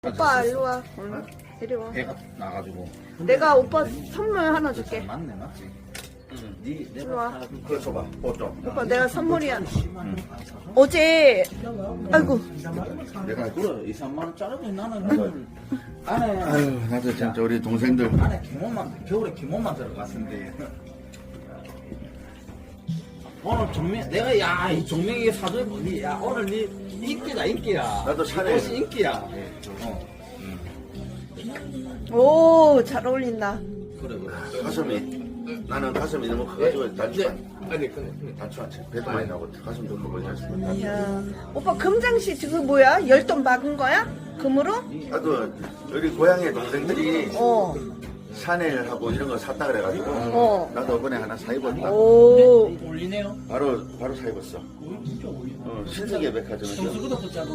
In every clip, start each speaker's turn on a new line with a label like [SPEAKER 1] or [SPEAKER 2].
[SPEAKER 1] 오빠 일로 와. 이리 와.
[SPEAKER 2] 배가 나가지고.
[SPEAKER 1] 내가 오빠 선물 하나 줄게.
[SPEAKER 2] 맞네, 맞지? 응. 네,
[SPEAKER 1] 일로 와.
[SPEAKER 2] 그거 줘봐. 좀.
[SPEAKER 1] 오빠 내가 선물이야. 어제 아이고
[SPEAKER 2] 내가 그래 2, 3만 원짜리 나는 안에
[SPEAKER 3] 아유, 나도 진짜 우리 동생들.
[SPEAKER 2] 안에 기모만 겨울에 기모만 들어갔는데. 오늘 종명 내가 야 이 종명이 사준 야 오늘 니 인기다 인기야.
[SPEAKER 3] 나도 샤넬.
[SPEAKER 2] 이것이 인기야.
[SPEAKER 1] 오 잘 어울린다.
[SPEAKER 2] 그래 그래.
[SPEAKER 3] 가슴이 나는 가슴이 너무 커가지고 단추한
[SPEAKER 2] 근데
[SPEAKER 3] 단추한 채 배도 많이 나고 가슴도 크고 해서
[SPEAKER 1] 이야 오빠 금장씨 지금 뭐야? 열돈 박은 거야? 금으로?
[SPEAKER 3] 나도 우리 고향의 동생들이
[SPEAKER 1] 어.
[SPEAKER 3] 샤넬하고 이런 거 샀다 그래가지고 나도 이번에 하나 사 입었다.
[SPEAKER 1] 오.
[SPEAKER 2] 올리네요.
[SPEAKER 3] 바로 사 입었어. 신세계 백화점에서
[SPEAKER 2] 성수보다 더 작은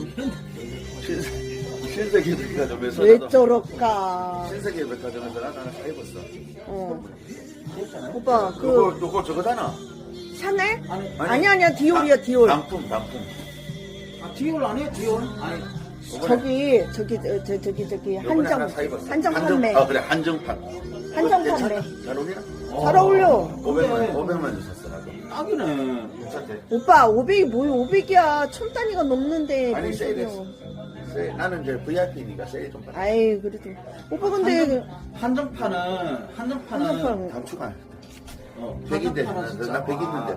[SPEAKER 3] 신세계 백화점에서
[SPEAKER 1] 왜
[SPEAKER 3] 나도
[SPEAKER 1] 저럴까?
[SPEAKER 3] 신세계 백화점에서 나도 하나 사 입었어.
[SPEAKER 1] 어. 오빠 그
[SPEAKER 3] 요거 저거잖아.
[SPEAKER 1] 샤넬?
[SPEAKER 3] 아니.
[SPEAKER 1] 아니야 디올이야 디올.
[SPEAKER 3] 단품.
[SPEAKER 2] 아 디올 아니에요 디올? 아니
[SPEAKER 1] 저기
[SPEAKER 3] 요번에 하나 사 입었어.
[SPEAKER 1] 한정 판매.
[SPEAKER 3] 그래 한정판.
[SPEAKER 1] 한정
[SPEAKER 3] 괜찮아?
[SPEAKER 1] 판매.
[SPEAKER 3] 잘 어울리나?
[SPEAKER 1] 잘 어울려.
[SPEAKER 3] 500만 줬었어 나도.
[SPEAKER 2] 딱이네.
[SPEAKER 3] 괜찮대.
[SPEAKER 1] 오빠 500이 뭐야 500이야 천 단위가 넘는데
[SPEAKER 3] 아니
[SPEAKER 1] 뭔
[SPEAKER 3] 세일했어.
[SPEAKER 1] 소리야.
[SPEAKER 3] 세일. 나는 이제 VIP니까 세일 좀 받아.
[SPEAKER 1] 아이 그래도 오빠 근데
[SPEAKER 2] 한정판은
[SPEAKER 1] 한정판
[SPEAKER 3] 단추가.
[SPEAKER 2] 어,
[SPEAKER 3] 100인데
[SPEAKER 2] 한정판은 진짜
[SPEAKER 3] 나 100 있는데